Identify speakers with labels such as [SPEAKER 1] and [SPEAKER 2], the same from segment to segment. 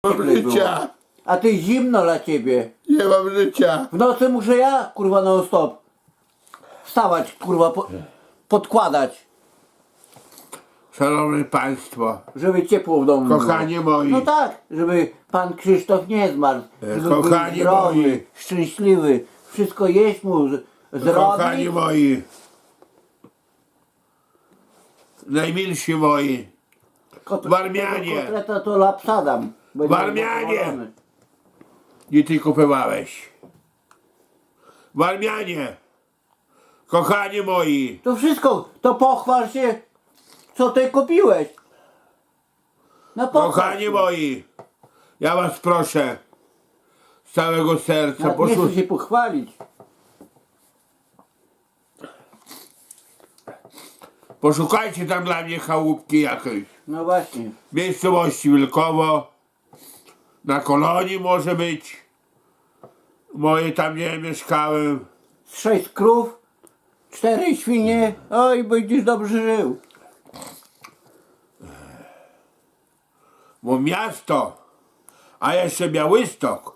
[SPEAKER 1] mam życia.
[SPEAKER 2] A ty zimno dla ciebie.
[SPEAKER 1] Nie mam życia.
[SPEAKER 2] W nocy muszę ja, kurwa, non stop wstawać, kurwa, podkładać,
[SPEAKER 1] Szanowni Państwo,
[SPEAKER 2] żeby ciepło w domu
[SPEAKER 1] kochani
[SPEAKER 2] było.
[SPEAKER 1] moi,
[SPEAKER 2] No tak, żeby pan Krzysztof nie zmarł, żeby
[SPEAKER 1] kochani
[SPEAKER 2] był zdrowy,
[SPEAKER 1] moi.
[SPEAKER 2] szczęśliwy, wszystko jeść mu
[SPEAKER 1] kochani
[SPEAKER 2] zrobić.
[SPEAKER 1] moi, najmilsi moi, Warmianie.
[SPEAKER 2] Kotleta to lapsadam. Będzie
[SPEAKER 1] Warmianie.
[SPEAKER 2] zadowolony.
[SPEAKER 1] nie ty kupowałeś. Warmianie, kochani moi,
[SPEAKER 2] To wszystko, to pochwal się, co ty kupiłeś. No pochwal
[SPEAKER 1] kochani
[SPEAKER 2] się.
[SPEAKER 1] moi, ja was proszę z całego serca,
[SPEAKER 2] Nawet nie chcę się pochwalić.
[SPEAKER 1] poszukajcie tam dla mnie chałupki jakiejś.
[SPEAKER 2] No właśnie.
[SPEAKER 1] W miejscowości Wilkowo, na Kolonii może być. Moje tam nie mieszkałem.
[SPEAKER 2] 6 krów, 4 świnie, oj, będziesz dobrze żył.
[SPEAKER 1] Bo miasto, a jeszcze Białystok,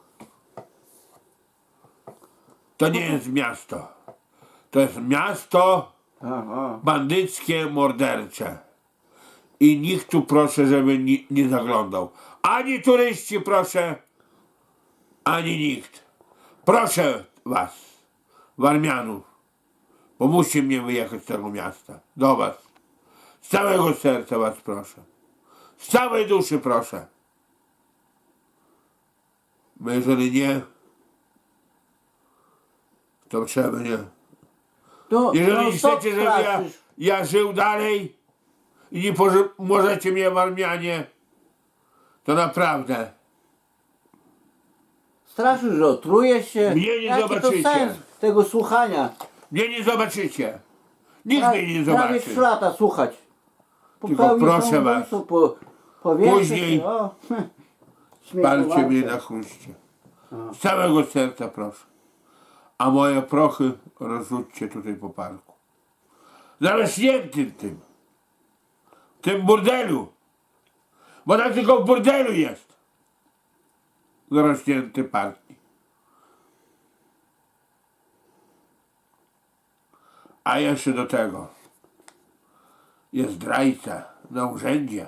[SPEAKER 1] to nie jest miasto. To jest miasto
[SPEAKER 2] Aha.
[SPEAKER 1] bandyckie, mordercze. I nikt tu proszę, żeby nie zaglądał. Ani turyści proszę, ani nikt. Proszę was, Warmianów, pomóżcie mnie wyjechać z tego miasta. Do was. Z całego serca was proszę. Z całej duszy proszę. Bo jeżeli nie, to trzeba nie.
[SPEAKER 2] To,
[SPEAKER 1] Jeżeli
[SPEAKER 2] no,
[SPEAKER 1] chcecie, żeby ja,
[SPEAKER 2] straszysz.
[SPEAKER 1] ja żył dalej i nie możecie mnie w Armianie, to naprawdę
[SPEAKER 2] Straszysz, że otrujesz się.
[SPEAKER 1] Mnie nie
[SPEAKER 2] Jaki
[SPEAKER 1] zobaczycie.
[SPEAKER 2] to sens tego słuchania?
[SPEAKER 1] mnie nie zobaczycie. Nikt mnie nie
[SPEAKER 2] Prawie
[SPEAKER 1] zobaczy.
[SPEAKER 2] 3 lata słuchać.
[SPEAKER 1] Tylko
[SPEAKER 2] Popełnisz
[SPEAKER 1] proszę
[SPEAKER 2] samobójstwo,
[SPEAKER 1] was,
[SPEAKER 2] powiększysz
[SPEAKER 1] później
[SPEAKER 2] się, o,
[SPEAKER 1] palcie
[SPEAKER 2] śmiechowate.
[SPEAKER 1] mnie na chruście. Z całego serca proszę. A moje prochy rozrzućcie tutaj po parku. Zarośniętym tym. W tym burdelu. Bo tak tylko w burdelu jest. Zarośnięty parki. A jeszcze do tego jest zdrajca na urzędzie.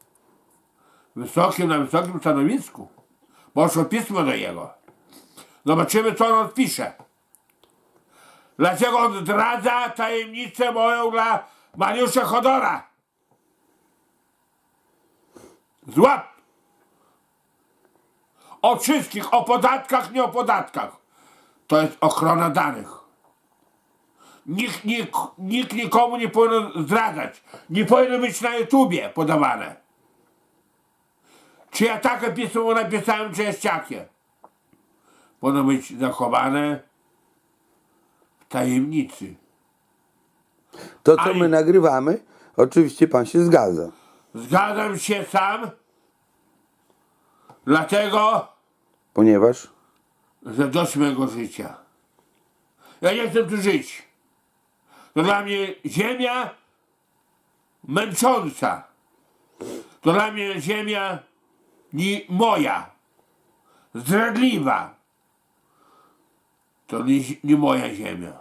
[SPEAKER 1] Na wysokim stanowisku. Poszło pismo do jego. Zobaczymy, co on odpisze. Dlaczego on zdradza tajemnicę moją dla Mariusza Chodora? Złap! O wszystkich, o podatkach, nie o podatkach. To jest ochrona danych. Nikt nikomu nie powinien zdradzać. Nie powinno być na YouTubie podawane. Czy ja takie pismo napisałem, czy jest jakie? Powinno być zachowane w tajemnicy.
[SPEAKER 3] To, co
[SPEAKER 1] Ani-
[SPEAKER 3] my nagrywamy, oczywiście pan się zgadza.
[SPEAKER 1] Zgadzam się sam, dlatego,
[SPEAKER 3] Ponieważ
[SPEAKER 1] że dość mego życia. Ja nie chcę tu żyć. To dla mnie ziemia męcząca. To dla mnie ziemia moja, zdradliwa. To nie moja ziemia.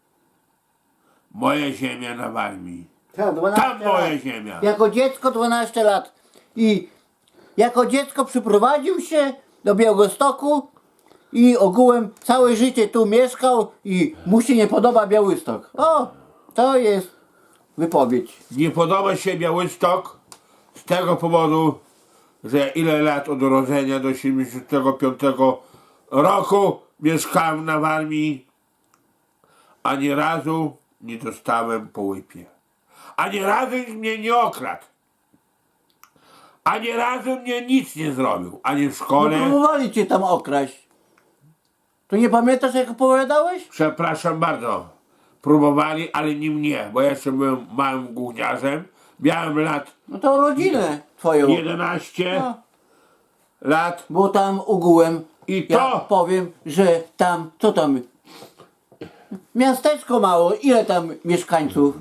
[SPEAKER 1] Moja ziemia na Warmii.
[SPEAKER 2] Tak, 12
[SPEAKER 1] Tam moja
[SPEAKER 2] lat.
[SPEAKER 1] ziemia.
[SPEAKER 2] Jako dziecko 12 lat. I jako dziecko przyprowadził się do Białegostoku i ogółem całe życie tu mieszkał i mu się nie podoba Białystok. O, to jest wypowiedź.
[SPEAKER 1] Nie podoba się Białystok z tego powodu, że ile lat od urodzenia do 75 roku mieszkałem na Warmii, ani razu nie dostałem po łypie. Ani razu mnie nie okradł. Ani razu mnie nic nie zrobił. Ani w
[SPEAKER 2] No,
[SPEAKER 1] szkole.
[SPEAKER 2] próbowali cię tam okraść. To nie pamiętasz, jak opowiadałeś?
[SPEAKER 1] Przepraszam bardzo. Próbowali, ale nie mnie, bo ja jeszcze byłem małym gówniarzem. Miałem lat
[SPEAKER 2] No to rodzinę twoją.
[SPEAKER 1] 11
[SPEAKER 2] No,
[SPEAKER 1] lat.
[SPEAKER 2] bo tam ogółem,
[SPEAKER 1] I
[SPEAKER 2] ja
[SPEAKER 1] to
[SPEAKER 2] powiem, że tam, co tam, miasteczko mało, ile tam mieszkańców?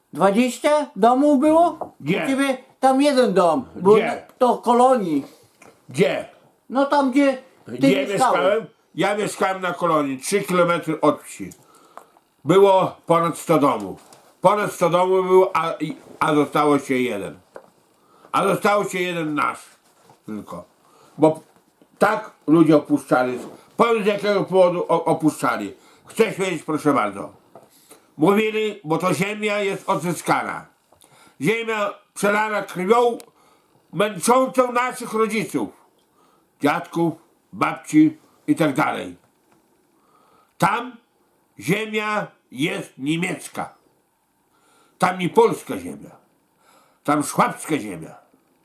[SPEAKER 2] 20 domów było?
[SPEAKER 1] Gdzie?
[SPEAKER 2] U ciebie tam jeden dom, bo
[SPEAKER 1] Gdzie?
[SPEAKER 2] to kolonii.
[SPEAKER 1] Gdzie?
[SPEAKER 2] No tam gdzie ty
[SPEAKER 1] Gdzie
[SPEAKER 2] mieszkałeś.
[SPEAKER 1] mieszkałem? Ja mieszkałem na kolonii, 3 km od wsi. Było ponad 100 domów. Ponad 100 domów było, a zostało się jeden. A zostało się jeden nasz tylko. Bo tak ludzie opuszczali. Powiem z jakiego powodu opuszczali. Chcesz wiedzieć, proszę bardzo. Mówili, bo to ziemia jest odzyskana. Ziemia przelana krwią męczącą naszych rodziców. Dziadków, babci i tak dalej. Tam ziemia jest niemiecka. Tam nie polska ziemia. Tam szwabska ziemia.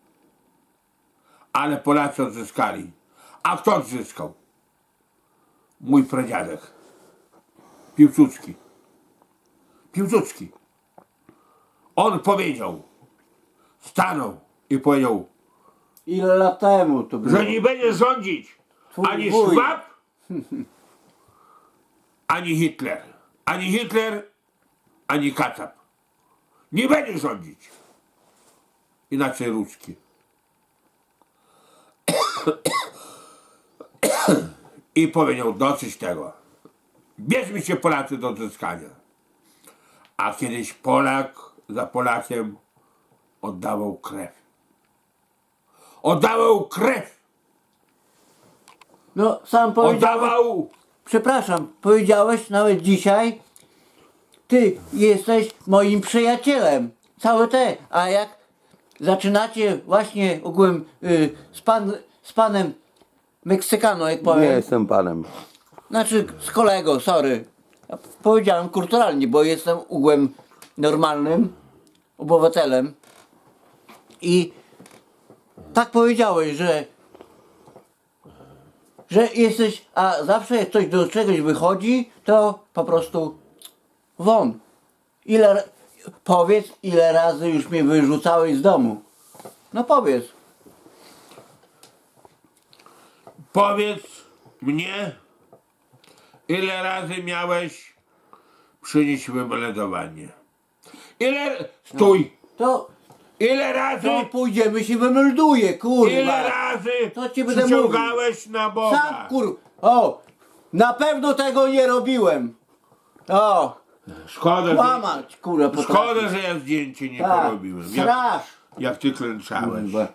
[SPEAKER 1] Ale Polacy odzyskali. A kto odzyskał? Mój pradziadek. Piłsudski. Piłsudski. On powiedział, stanął i powiedział,
[SPEAKER 2] Ile lat temu to było?
[SPEAKER 1] że nie będzie rządzić
[SPEAKER 2] Twój
[SPEAKER 1] ani
[SPEAKER 2] wuj.
[SPEAKER 1] Szwab, ani Hitler. Ani Hitler, ani Kacap. Nie będzie rządzić. Inaczej Ruski. I powiedział, dosyć tego. Bierzmy się Polacy do odzyskania. A kiedyś Polak za Polakiem oddawał krew. Oddawał krew.
[SPEAKER 2] No sam powiedziałeś,
[SPEAKER 1] Oddawał.
[SPEAKER 2] przepraszam, powiedziałeś nawet dzisiaj, ty jesteś moim przyjacielem. Całe te, a jak zaczynacie właśnie ogółem z panem Meksykano, jak
[SPEAKER 3] Nie
[SPEAKER 2] powiem.
[SPEAKER 3] jestem panem.
[SPEAKER 2] Znaczy z kolego, sorry. Ja powiedziałem kulturalnie, bo jestem ogółem normalnym obywatelem. I tak powiedziałeś, że jesteś, a zawsze jak coś do czegoś wychodzi, to po prostu won. Powiedz, ile razy już mnie wyrzucałeś z domu. No powiedz.
[SPEAKER 1] Powiedz mnie, ile razy miałeś przynieść wymeldowanie. Ile, stój,
[SPEAKER 2] To
[SPEAKER 1] ile razy,
[SPEAKER 2] pójdziemy się wymelduje, kurwa.
[SPEAKER 1] ile razy
[SPEAKER 2] To ci będę
[SPEAKER 1] przyciągałeś na Boga.
[SPEAKER 2] Sam o, na pewno tego nie robiłem. O,
[SPEAKER 1] Szkoda,
[SPEAKER 2] kłamać, kurwa, potrafię.
[SPEAKER 1] szkoda, że ja zdjęcie nie
[SPEAKER 2] Tak,
[SPEAKER 1] porobiłem.
[SPEAKER 2] strasz.
[SPEAKER 1] Jak ty klęczałeś.
[SPEAKER 2] Kurwa.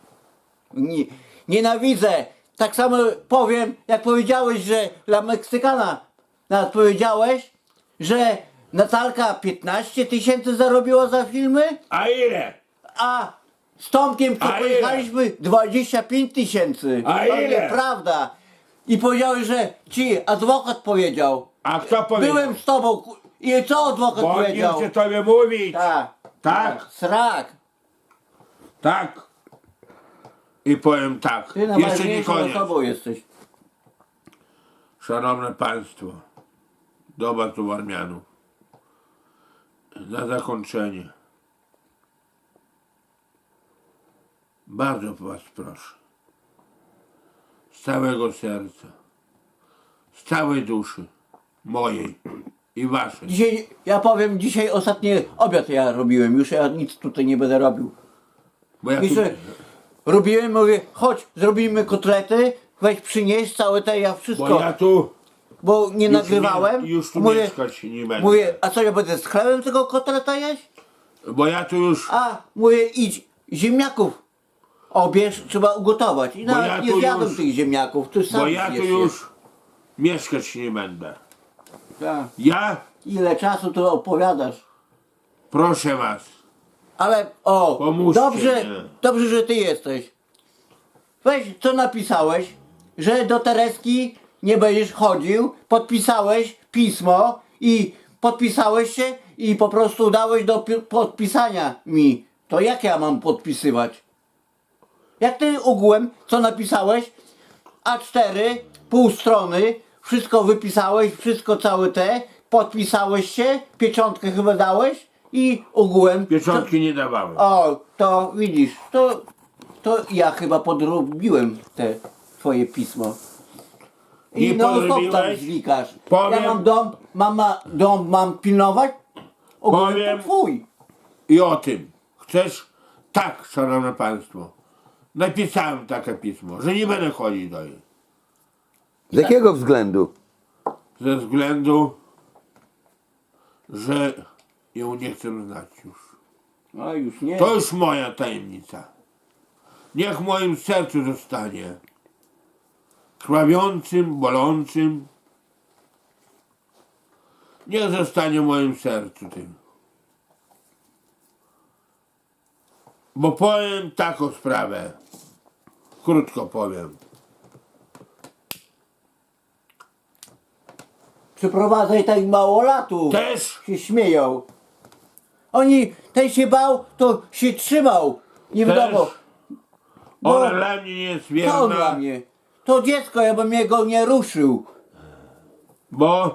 [SPEAKER 2] Nienawidzę. Tak samo powiem, jak powiedziałeś, że dla Meksykana nawet powiedziałeś, że Natalka 15 000 zarobiła za filmy,
[SPEAKER 1] A ile?
[SPEAKER 2] a z Tomkiem, co
[SPEAKER 1] A ile?
[SPEAKER 2] pojechaliśmy, 25 000.
[SPEAKER 1] A
[SPEAKER 2] To
[SPEAKER 1] ile?
[SPEAKER 2] nieprawda. I powiedziałeś, że ci adwokat powiedział.
[SPEAKER 1] A kto powiedział?
[SPEAKER 2] Byłem z tobą. I co adwokat
[SPEAKER 1] Bo nie
[SPEAKER 2] powiedział?
[SPEAKER 1] chcę tobie mówić.
[SPEAKER 2] Tak.
[SPEAKER 1] Tak?
[SPEAKER 2] Srak.
[SPEAKER 1] Tak. I powiem tak.
[SPEAKER 2] Ty
[SPEAKER 1] Jeszcze nie
[SPEAKER 2] najważniejszą
[SPEAKER 1] koniec.
[SPEAKER 2] osobą jesteś.
[SPEAKER 1] Szanowne Państwo, doba tu Warmianów. Na zakończenie. Bardzo Was proszę. Z całego serca. Z całej duszy. Mojej i Waszej.
[SPEAKER 2] Dzisiaj, ja powiem, dzisiaj ostatni obiad ja robiłem. Już ja nic tutaj nie będę robił.
[SPEAKER 1] Bo ja tu,
[SPEAKER 2] Jeszcze robiłem, mówię, chodź, zrobimy kotlety, weź przynieś całe te, ja wszystko.
[SPEAKER 1] bo ja tu
[SPEAKER 2] Bo nie
[SPEAKER 1] już
[SPEAKER 2] nagrywałem.
[SPEAKER 1] już tu
[SPEAKER 2] mówię,
[SPEAKER 1] mieszkać nie będę.
[SPEAKER 2] mówię, a co ja będę z chlebem tego kotleta jeść?
[SPEAKER 1] Bo ja tu już
[SPEAKER 2] A, mówię, idź, ziemniaków obierz, trzeba ugotować. I nawet
[SPEAKER 1] ja
[SPEAKER 2] nie
[SPEAKER 1] tu
[SPEAKER 2] zjadłem
[SPEAKER 1] już-
[SPEAKER 2] tych ziemniaków, ty sam
[SPEAKER 1] bo ja tu
[SPEAKER 2] zjesz je.
[SPEAKER 1] już mieszkać nie będę.
[SPEAKER 2] Tak.
[SPEAKER 1] Ja
[SPEAKER 2] Ile czasu to opowiadasz?
[SPEAKER 1] proszę Was.
[SPEAKER 2] Ale o,
[SPEAKER 1] Pomóżcie
[SPEAKER 2] dobrze,
[SPEAKER 1] mi.
[SPEAKER 2] dobrze, że ty jesteś. Weź, co napisałeś, że do Tereski nie będziesz chodził, podpisałeś pismo i podpisałeś się i po prostu dałeś do podpisania mi. To jak ja mam podpisywać? Jak ty ogółem, co napisałeś? A4, pół strony, wszystko wypisałeś, wszystko całe te, podpisałeś się, pieczątkę chyba dałeś i ogółem...
[SPEAKER 1] Pieczątki nie dawałem.
[SPEAKER 2] O, to widzisz, to ja chyba podrobiłem te twoje pismo. I
[SPEAKER 1] Nie
[SPEAKER 2] no stop tam
[SPEAKER 1] podrobiłeś?
[SPEAKER 2] zwikasz.
[SPEAKER 1] Powiem-
[SPEAKER 2] Ja mam dom mam pilnować? Ogólnie
[SPEAKER 1] Powiem-
[SPEAKER 2] to twój.
[SPEAKER 1] I o tym. Chcesz? Tak, Szanowne Państwo. napisałem takie pismo, że nie będę chodzić do niej.
[SPEAKER 3] Z jakiego względu?
[SPEAKER 1] Ze względu, że ją nie chcę znać już.
[SPEAKER 2] A już nie.
[SPEAKER 1] To już moja tajemnica. Niech w moim sercu zostanie. Krwawiącym, bolącym. Niech zostanie w moim sercu tym. Bo powiem taką sprawę. Krótko powiem.
[SPEAKER 2] Przyprowadzaj tak mało latów.
[SPEAKER 1] Też
[SPEAKER 2] Się śmieją. Oni, ten się bał, to się trzymał. Nie
[SPEAKER 1] Też
[SPEAKER 2] wiadomo. Bo
[SPEAKER 1] ona dla mnie nie jest
[SPEAKER 2] co on dla
[SPEAKER 1] wierna,
[SPEAKER 2] mnie? To dziecko, ja bym jego nie ruszył.
[SPEAKER 1] bo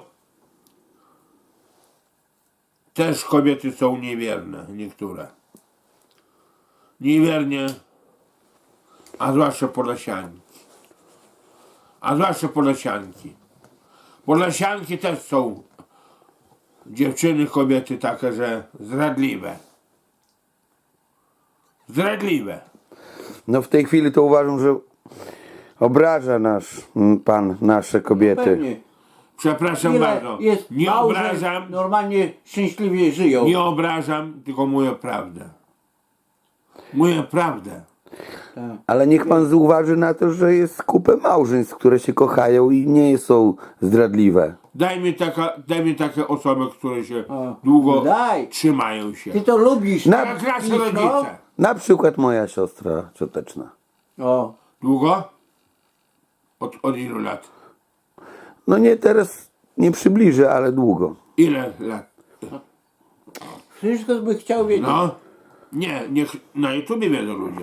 [SPEAKER 1] też kobiety są niewierne, niektóre. Niewiernie, a zwłaszcza Podlasianki. A zwłaszcza Podlasianki. Podlasianki też są dziewczyny, kobiety takie, że zdradliwe. Zdradliwe.
[SPEAKER 3] No w tej chwili to uważam, że obraża pan nasze kobiety.
[SPEAKER 2] Pewnie.
[SPEAKER 1] Przepraszam
[SPEAKER 2] Ile
[SPEAKER 1] bardzo.
[SPEAKER 2] jest
[SPEAKER 1] Nie
[SPEAKER 2] małżeństw,
[SPEAKER 1] obrażam,
[SPEAKER 2] normalnie szczęśliwie żyją.
[SPEAKER 1] nie obrażam, tylko mówię prawdę. Mówię prawdę.
[SPEAKER 2] Tak.
[SPEAKER 3] Ale niech pan zauważy na to, że jest kupę małżeństw, które się kochają i nie są zdradliwe.
[SPEAKER 1] Daj mi takie osoby, które się
[SPEAKER 2] O,
[SPEAKER 1] długo
[SPEAKER 2] daj.
[SPEAKER 1] trzymają się.
[SPEAKER 2] Ty to lubisz.
[SPEAKER 3] Na-
[SPEAKER 1] Jak nasze
[SPEAKER 2] Blisko?
[SPEAKER 1] rodzice.
[SPEAKER 3] Na przykład moja siostra cioteczna.
[SPEAKER 2] O,
[SPEAKER 1] Długo? Od ilu lat?
[SPEAKER 3] No nie teraz, nie przybliżę, ale długo.
[SPEAKER 1] Ile lat?
[SPEAKER 2] wszystko by chciał wiedzieć.
[SPEAKER 1] No. Nie, niech na YouTubie wiedzą ludzie.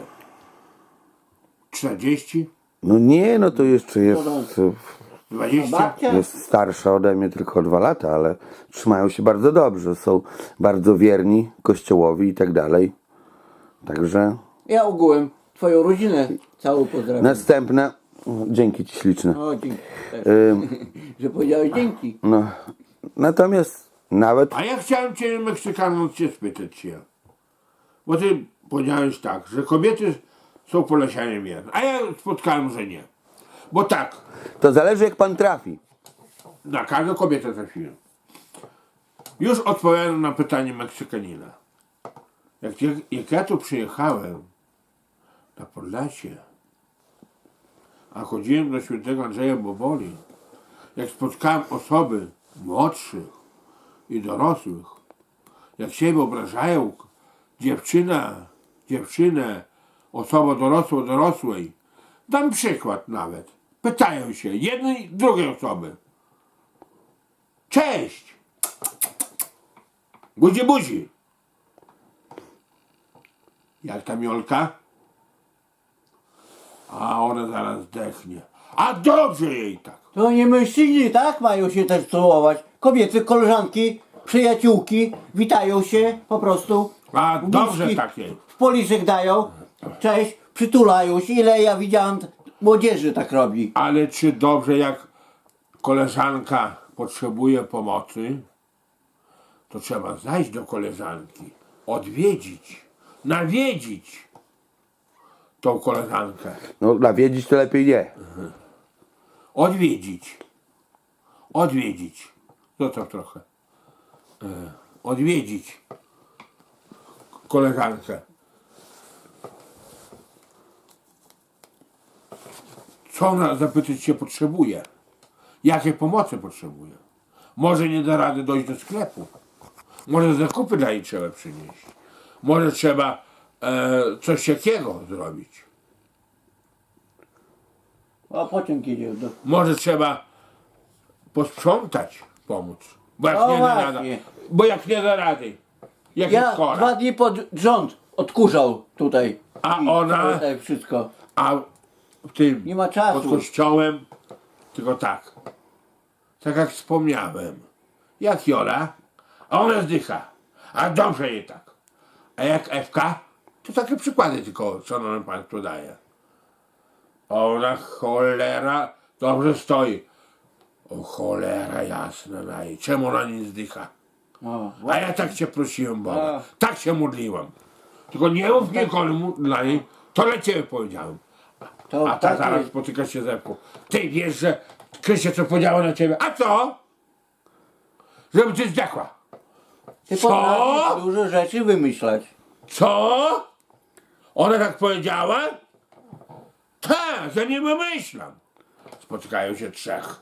[SPEAKER 1] 40?
[SPEAKER 3] No nie, no to jeszcze jest,
[SPEAKER 1] 20?
[SPEAKER 2] Babcia?
[SPEAKER 3] jest starsza ode mnie tylko o 2 lata, ale trzymają się bardzo dobrze. Są bardzo wierni Kościołowi i tak dalej. Także
[SPEAKER 2] Ja ogółem twoją rodzinę całą pozdrawiam.
[SPEAKER 3] następne. Dzięki ci śliczne.
[SPEAKER 2] O, dzięki. Też. Że powiedziałeś dzięki.
[SPEAKER 3] No, natomiast nawet
[SPEAKER 1] A ja chciałem cię, Meksykanów, cię spytać się. Bo ty powiedziałeś tak, że kobiety są Podlasianie wierne. A ja spotkałem, że nie. Bo tak,
[SPEAKER 3] to zależy jak pan trafi.
[SPEAKER 1] na każdą kobietę trafiłem. Już odpowiadam na pytanie Meksykanina. Jak ja tu przyjechałem na Podlasie, a chodziłem do świętego Andrzeja Boboli, jak spotkałem osoby młodszych i dorosłych, jak siebie obrażają dziewczynę, osoba dorosłej, dam przykład nawet. Pytają się jednej, drugiej osoby. Cześć! Buzi, buzi! Jak ta Miolka? A ona zaraz zdechnie. A dobrze jej tak.
[SPEAKER 2] To nie mężczyźni, tak? Mają się też całować. Kobiety, koleżanki, przyjaciółki witają się po prostu.
[SPEAKER 1] A dobrze
[SPEAKER 2] Buźki
[SPEAKER 1] tak jej.
[SPEAKER 2] w policzek dają. Cześć, przytulają się. Ile ja widziałem młodzieży tak robi.
[SPEAKER 1] Ale czy dobrze, jak koleżanka potrzebuje pomocy, to trzeba zajść do koleżanki, odwiedzić, nawiedzić tą koleżankę.
[SPEAKER 3] No nawiedzić to lepiej nie.
[SPEAKER 1] Odwiedzić. Zostaw trochę. Odwiedzić koleżankę. Co ona, zapytać się, potrzebuje? Jakiej pomocy potrzebuje? Może nie da rady dojść do sklepu. Może zakupy dla niej trzeba przynieść. Może trzeba coś takiego zrobić.
[SPEAKER 2] A pociąg jedzie do...
[SPEAKER 1] Może trzeba posprzątać, pomóc. Bo jak
[SPEAKER 2] O,
[SPEAKER 1] nie da rady.
[SPEAKER 2] właśnie.
[SPEAKER 1] Bo jak nie da rady. Jak
[SPEAKER 2] Ja
[SPEAKER 1] jest chora.
[SPEAKER 2] 2 dni pod rząd odkurzał tutaj.
[SPEAKER 1] A
[SPEAKER 2] I
[SPEAKER 1] ona?
[SPEAKER 2] Tutaj wszystko.
[SPEAKER 1] A w tym
[SPEAKER 2] Nie ma czasu.
[SPEAKER 1] pod kościołem tylko tak. Tak jak wspomniałem. Jak Jola, a ona zdycha. A dobrze jej tak. A jak Ewka, to takie przykłady tylko, co nam Państwu daje. A ona cholera dobrze stoi. O cholera jasna na jej. Czemu ona nie zdycha?
[SPEAKER 2] O,
[SPEAKER 1] A ja tak cię prosiłem Boga.
[SPEAKER 2] A.
[SPEAKER 1] Tak się modliłem. Tylko nie mów nikomu dla niej, To dla ciebie powiedziałem.
[SPEAKER 2] To
[SPEAKER 1] A ta
[SPEAKER 2] tak
[SPEAKER 1] zaraz
[SPEAKER 2] jest.
[SPEAKER 1] spotyka się ze mną. Ty wiesz, że Krysia co powiedziała na ciebie? A co? Żeby ty zdechła.
[SPEAKER 2] Ty
[SPEAKER 1] Co?
[SPEAKER 2] potrafisz dużo rzeczy wymyślać.
[SPEAKER 1] Co? Ona tak powiedziała? Tak, ja nie wymyślam. Spotykają się trzech.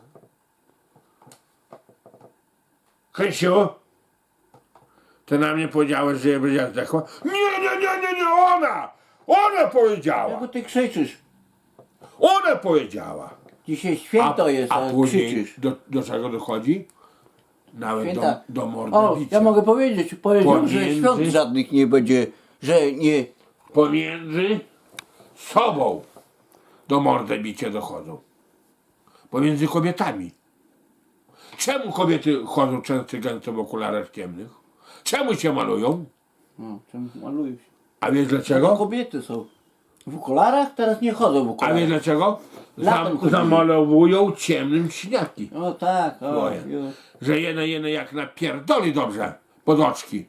[SPEAKER 1] Krysiu, ty na mnie powiedziałeś, że ja będzie zdechła? Nie, ona! Ona powiedziała!
[SPEAKER 2] Czego ty krzyczysz?
[SPEAKER 1] Ona powiedziała!
[SPEAKER 2] Dzisiaj święto jest,
[SPEAKER 1] a
[SPEAKER 2] a
[SPEAKER 1] później
[SPEAKER 2] krzyczysz.
[SPEAKER 1] do czego dochodzi? Nawet
[SPEAKER 2] Święta.
[SPEAKER 1] do mordy
[SPEAKER 2] O,
[SPEAKER 1] bicia.
[SPEAKER 2] ja mogę powiedzieć, powiedział, że
[SPEAKER 1] Pomiędzy-
[SPEAKER 2] świąt żadnych nie będzie, że nie...
[SPEAKER 1] Pomiędzy sobą do mordy bicia dochodzą. Pomiędzy kobietami. Czemu kobiety chodzą często gęsto w okularach ciemnych? Czemu się malują?
[SPEAKER 2] No, czym malują się?
[SPEAKER 1] A wiesz
[SPEAKER 2] To
[SPEAKER 1] dlaczego?
[SPEAKER 2] kobiety są. W okularach? Teraz nie chodzą w
[SPEAKER 1] A
[SPEAKER 2] okularach.
[SPEAKER 1] wiesz dlaczego?
[SPEAKER 2] Latem chodzili.
[SPEAKER 1] Zamalowują ciemnym śniaki.
[SPEAKER 2] O tak, o.
[SPEAKER 1] Twoje. Że jene jak napierdoli dobrze pod oczki.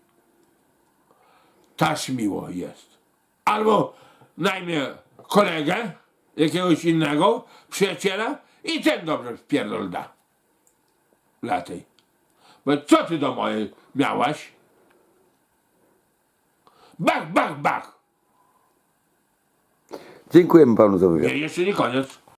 [SPEAKER 1] Taż miło jest. Albo najmie kolegę, jakiegoś innego, przyjaciela i ten dobrze wpierdol da. Latej. Bo co ty do mojej miałaś? Bach!
[SPEAKER 3] Dziękujemy panu za wywiad.
[SPEAKER 1] Nie, jeszcze nie koniec.